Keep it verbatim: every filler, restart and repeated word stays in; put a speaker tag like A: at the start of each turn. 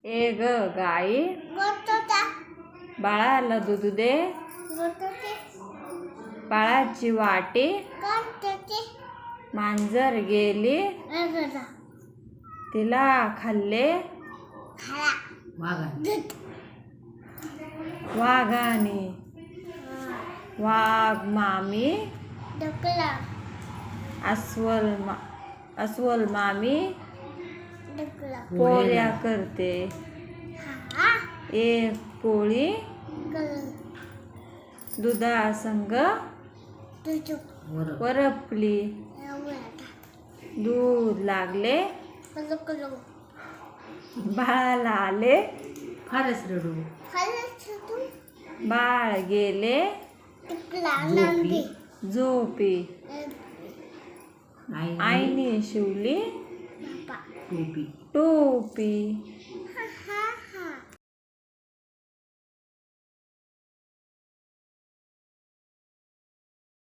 A: ए ग गाई बाळाला दूध दे, बाळाची वाटी मांजर गेली तिला खाल्ले वाघाने, वाघ मामी अस्वल मा अस्वल मामी पोळ्या करते, एक पोळी दुधासंग वरपली, दूध लागले बाळाला आले
B: फारच रडू,
A: बाळ गेले झोपी, आईने शिवली
B: टोपी
A: टोपी.